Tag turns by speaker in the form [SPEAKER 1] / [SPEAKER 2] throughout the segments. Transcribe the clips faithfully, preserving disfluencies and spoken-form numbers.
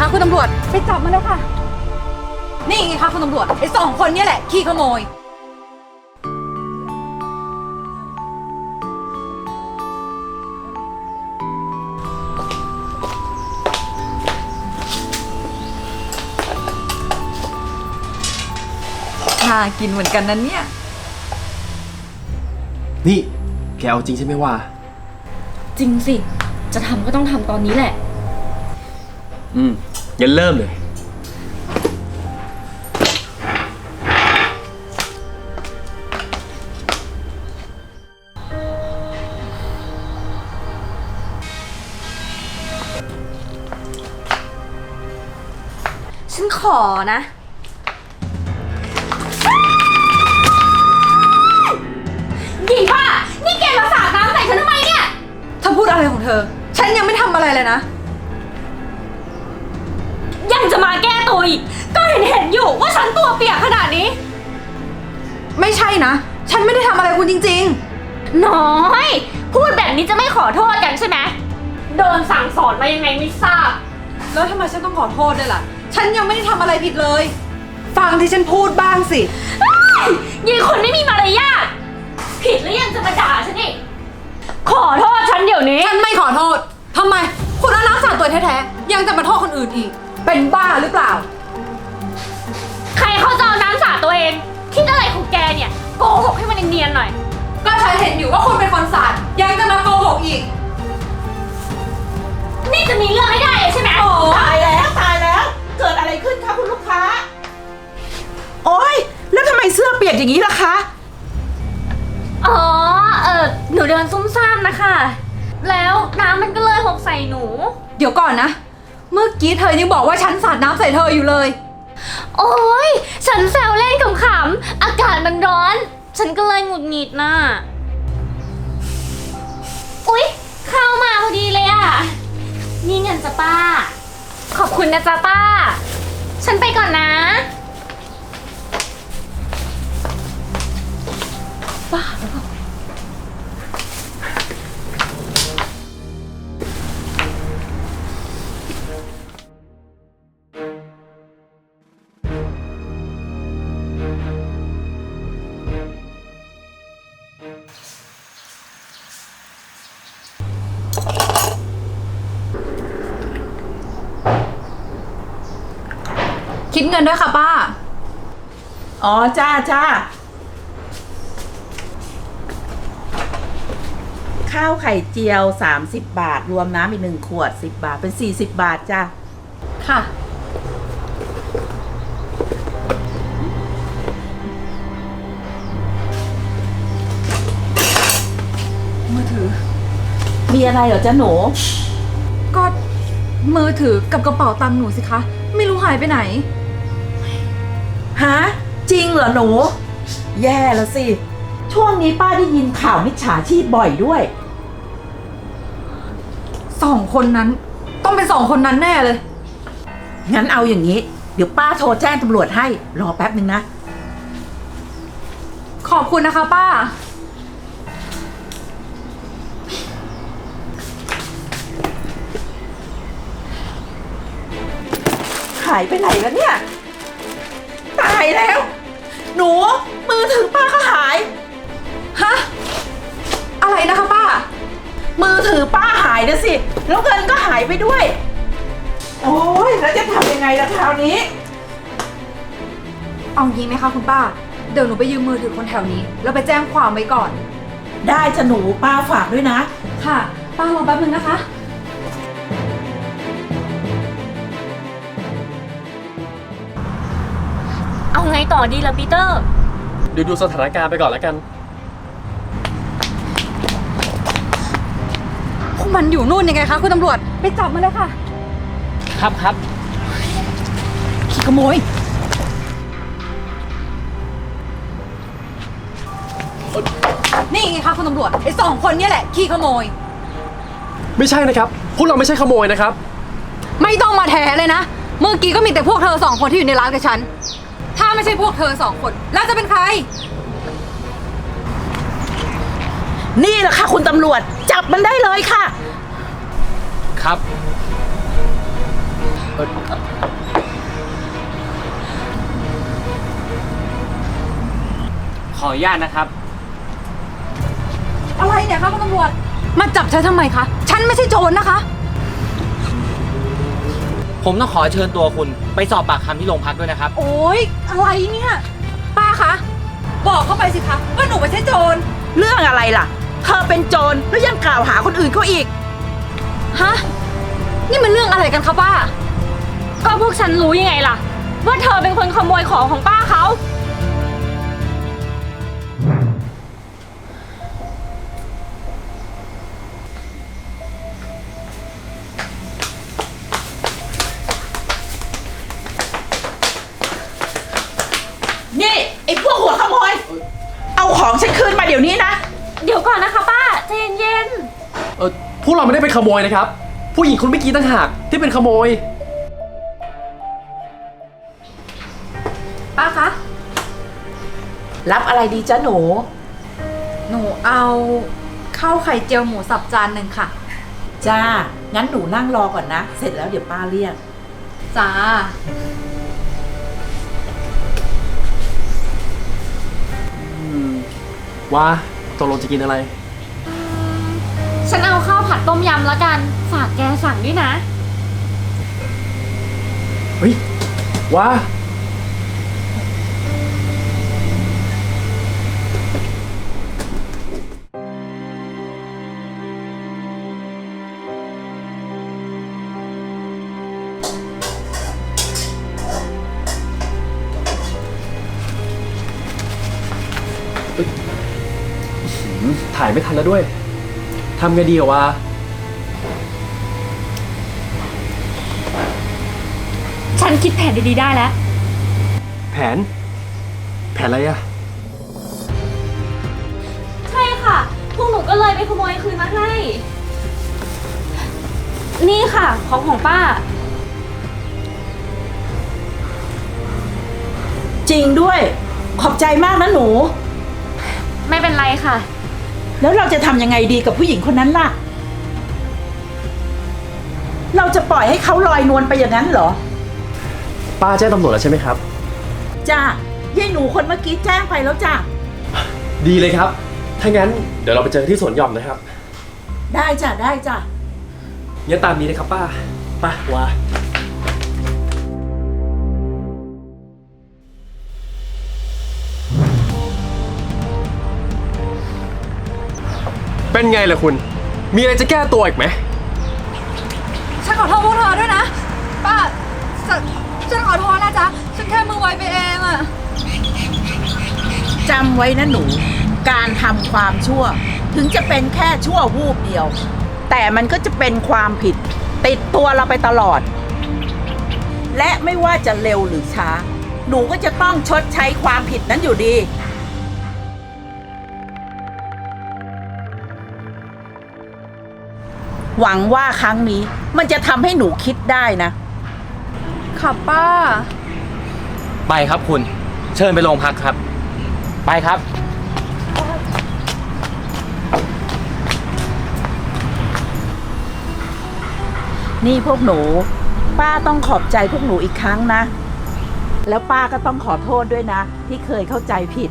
[SPEAKER 1] คะคุณตำรวจไปจับมันแล้วค่ะนี่ไงคะคุณตำรวจไอ้สองคนนี่แหละขี้ขโมยน่ากินเหมือนกันนั้นเนี่ย
[SPEAKER 2] นี่แกเอาจริงใช่ไหมวะ
[SPEAKER 3] จริงสิจะทำก็ต้องทำตอนนี้แหละ
[SPEAKER 2] อืมงั้นเริ่มเลย
[SPEAKER 3] ฉันขอนะหญิงป้านี่แกมาสาดน้ำใส่ฉันทำไมเนี่ย
[SPEAKER 1] เธอพูดอะไรของเธอฉันยังไม่ทำอะไรเลยนะ
[SPEAKER 3] ยังจะมาแก้ตัวอีกก็เห็นเห็นอยู่ว่าฉันตัวเปียกขนาดนี้
[SPEAKER 1] ไม่ใช่นะฉันไม่ได้ทำอะไรคุณจริง
[SPEAKER 3] ๆน้อยพูดแบบนี้จะไม่ขอโทษกันใช่ไหมโดนสั่งสอนมายังไงไม่ทราบ
[SPEAKER 1] แล้วทำไมฉันต้องขอโทษด้วยล่ะฉันยังไม่ได้ทำอะไรผิดเลยฟังที่ฉันพูดบ้างสิ
[SPEAKER 3] ยี่คนไม่มีมารยาทผิดแล้วยังจะมาด่าฉันอีกขอโทษฉันเดี๋ยวนี้
[SPEAKER 1] ฉันไม่ขอโทษทำไมคุณเอาน้ำสาดตัวแท้ๆยังจะมาโทษคนอื่นอีกเป็นบ้าหรือเปล่า
[SPEAKER 3] ใครเขาจะเอาน้ำสาดตัวเองคิดอะไรของแกเนี่ยโกหกให้มันเนียนๆหน่อย
[SPEAKER 1] ก็ฉันเห็นอยู่ว่าคุณเป็นคนสาดยังจะมาโกหกอีก
[SPEAKER 3] นี่จะมีเรื่องให้ได้ใช่ไหม
[SPEAKER 4] โอ้ตายแล้วตายแล้วเกิดอะไรขึ้นคะคุณลูกค้าโอ๊ยแล้วทำไมเสื้อเปียกอย่างนี้ล่ะคะ
[SPEAKER 3] อ๋อเออหนูเดินซุ่มซ่ามนะคะแล้วน้ำมันก็เลยหกใส่หนู
[SPEAKER 1] เดี๋ยวก่อนนะเมื่อกี้เธอยังบอกว่าฉันสาดน้ำใส่เธออยู่เลย
[SPEAKER 3] โอ๊ยฉันแซวเล่นขำๆอากาศมันร้อนฉันก็เลยหงุดหงิดน่ะอุ๊ยเข้ามาพอดีเลยอ่ะนี่เงินจ้ะป้าขอบคุณนะจ๊ะป้าฉันไปก่อนนะ
[SPEAKER 1] ป้าแล้วคิดเงินด้วยค่ะป้า
[SPEAKER 4] อ๋อจ้าจ้าข้าวไข่เจียวสามสิบบาทรวมน้ำอีกหนึ่งขวดสิบบาทเป็นสี่สิบบาทจ้า
[SPEAKER 1] ค่ะมือถือ
[SPEAKER 4] มีอะไรเหรอจ๊ะหนู
[SPEAKER 1] ก็มือถือกับกระเป๋าตังค์หนูสิคะไม่รู้หายไปไหน
[SPEAKER 4] ฮะจริงเหรอหนูแย่แล้วสิช่วงนี้ป้าได้ยินข่าวมิจฉาชีพบ่อยด้วย
[SPEAKER 1] สองคนนั้นต้องเป็นสองคนนั้นแน่เลย
[SPEAKER 4] งั้นเอาอย่างนี้เดี๋ยวป้าโทรแจ้งตำรวจให้รอแป๊บนึงนะ
[SPEAKER 1] ขอบคุณนะคะป้า
[SPEAKER 4] หายไปไหนแล้วเนี่ยตายแล้วหนูมือถือป้าก็หาย
[SPEAKER 1] ฮะอะไรนะคะป้า
[SPEAKER 4] มือถือป้าหายนะสิแล้วเงินก็หายไปด้วยโอ้ยแล้วจะทำยังไงล่ะคราวนี้
[SPEAKER 1] เอางี้ไหมคะคุณป้าเดี๋ยวหนูไปยืมมือถือคนแถวนี้แล้วไปแจ้งความไว้ก่อน
[SPEAKER 4] ได้จะหนูป้าฝากด้วยนะ
[SPEAKER 1] ค่ะป้ารอแป๊บนึงนะคะ
[SPEAKER 3] เอาไงต่อดีล่ะปีเตอร์
[SPEAKER 2] ดูดูสถานการณ์ไปก่อนแล้วกัน
[SPEAKER 1] พวกมันอยู่นู่นยังไงคะคุณตำรวจไปจับมันเลยค่ะ
[SPEAKER 2] ครับครับ
[SPEAKER 1] ขี้ขโมยนี่ไงคะคุณตำรวจไอ้สองคนนี่แหละขี้ขโมย
[SPEAKER 2] ไม่ใช่นะครับพวกเราไม่ใช่ขโมยนะครับ
[SPEAKER 1] ไม่ต้องมาแถเลยนะเมื่อกี้ก็มีแต่พวกเธอสองคนที่อยู่ในร้านกับฉันถ้าไม่ใช่พวกเธอสองคนแล้วจะเป็นใคร
[SPEAKER 4] นี่แหละค่ะคุณตำรวจจับมันได้เลยค่ะ
[SPEAKER 2] ครับเอ่อ
[SPEAKER 5] ขออนุญาตนะครับ
[SPEAKER 1] อะไรเนี่ยคะคุณตำรวจ มาจับฉันทำไมคะ ฉันไม่ใช่โจรนะคะ
[SPEAKER 5] ผมต้องขอเชิญตัวคุณไปสอบปากคำที่โรงพักด้วยนะครับ
[SPEAKER 1] โอ๊ย อะไรเนี่ย ป้าคะ บอกเข้าไปสิคะว่าหนูไม่ใช่โจร
[SPEAKER 4] เรื่องอะไรล่ะ เธอเป็นโจรแล้วยังกล่าวหาคนอื่นเขาอีก
[SPEAKER 1] ฮะ นี่มันเรื่องอะไรกันคะป้า
[SPEAKER 3] ก็พวกฉันรู้ยังไงล่ะ ว่าเธอเป็นคนขโมยของของป้าเขา
[SPEAKER 4] นี่ไอ้พวกหัวขโมย เอาของฉันคืนมาเดี๋ยวนี้นะ
[SPEAKER 3] เดี๋ยวก่อนนะคะป้าใจเย็น
[SPEAKER 2] เออพวกเราไม่ได้เป็นขโมยนะครับ ผู้หญิงคนเมื่อกี้ต่างหากที่เป็นขโมย
[SPEAKER 1] ป้าคะ
[SPEAKER 4] รับอะไรดีจ๊ะหนู
[SPEAKER 1] หนูเอาข้าวไข่เจียวหมูสับจานหนึ่งค่ะ
[SPEAKER 4] จ้า งั้นหนูนั่งรอก่อนนะ เสร็จแล้วเดี๋ยวป้าเรียก
[SPEAKER 1] จ้า
[SPEAKER 2] ว่าตกลงจะกินอะไร
[SPEAKER 3] ๆ ฉันเอาข้าวผัดต้มยำแล้วกัน ฝากแกสั่งด้วยนะ
[SPEAKER 2] เฮ้ย ว่า ถ่ายไม่ทันแล้วด้วย ทำไงดีอะวะ
[SPEAKER 3] ฉันคิดแผนดีๆได้แล้ว
[SPEAKER 2] แผน แผนอะไรอะ
[SPEAKER 3] ใช่ค่ะ พวกหนูก็เลยไปขโมยคืนมาให้ นี่ค่ะ ของของป้า
[SPEAKER 4] จริงด้วย ขอบใจมากนะหนู
[SPEAKER 3] ไม่เป็นไรค่ะ
[SPEAKER 4] แล้วเราจะทำยังไงดีกับผู้หญิงคนนั้นล่ะ เราจะปล่อยให้เขาลอยนวลไปอย่างนั้นเหรอ
[SPEAKER 2] ป้าแจ้งตำรวจแล้วใช่ไหมครับ
[SPEAKER 4] จ้ายายหนูคนเมื่อกี้แจ้งไปแล้วจ้า
[SPEAKER 2] ดีเลยครับ ถ้างั้นเดี๋ยวเราไปเจอที่สวนหย่อมนะครับ
[SPEAKER 4] ได้จ้ะได้จ้ะ
[SPEAKER 2] งั้นตามนี้นะครับป้า ป้าว่า เป็นไงล่ะคุณ มีอะไรจะแก้ตัวอีกไหม
[SPEAKER 1] ฉันขอโทษพวกเธอด้วยนะ ป้าฉันฉันขอโทษนะจ๊ะ ฉันแค่มือไวไปเองอะ
[SPEAKER 4] จำไว้นะหนู การทำความชั่ว ถึงจะเป็นแค่ชั่ววูบเดียว แต่มันก็จะเป็นความผิด ติดตัวเราไปตลอด และไม่ว่าจะเร็วหรือช้า หนูก็จะต้องชดใช้ความผิดนั้นอยู่ดี หวังว่าครั้งนี้มันจะทำให้หนูคิดได้นะ
[SPEAKER 1] ค่ะป้า
[SPEAKER 5] ไปครับคุณ เชิญไปโรงพักครับ ไปครับ
[SPEAKER 4] นี่พวกหนู ป้าต้องขอบใจพวกหนูอีกครั้งนะ แล้วป้าก็ต้องขอโทษด้วยนะ ที่เคยเข้าใจผิด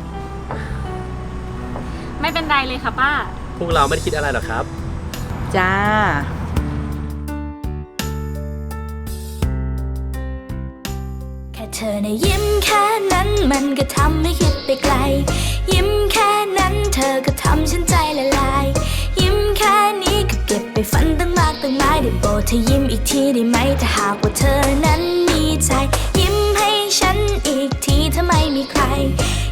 [SPEAKER 3] ไม่เป็นไรเลยค่ะป้า
[SPEAKER 2] พวกเราไม่ได้คิดอะไรหรอกครับ
[SPEAKER 4] จ้า
[SPEAKER 6] แค่เธอในะยิ้มแค่นั้นมันก็ทำให้คิดไปไกล ยิ้มแค่นั้นเธอก็ทำฉันใจละลาย ยิ้มแค่นี้ก็เก็บไปฝันตั้งมากตั้งหลายได้โปรดเธอยิ้มอีกทีได้ไหมถ้าหากว่าเธอนั้นมีใจ ยิ้มให้ฉันอีกทีถ้าไม่มีใคร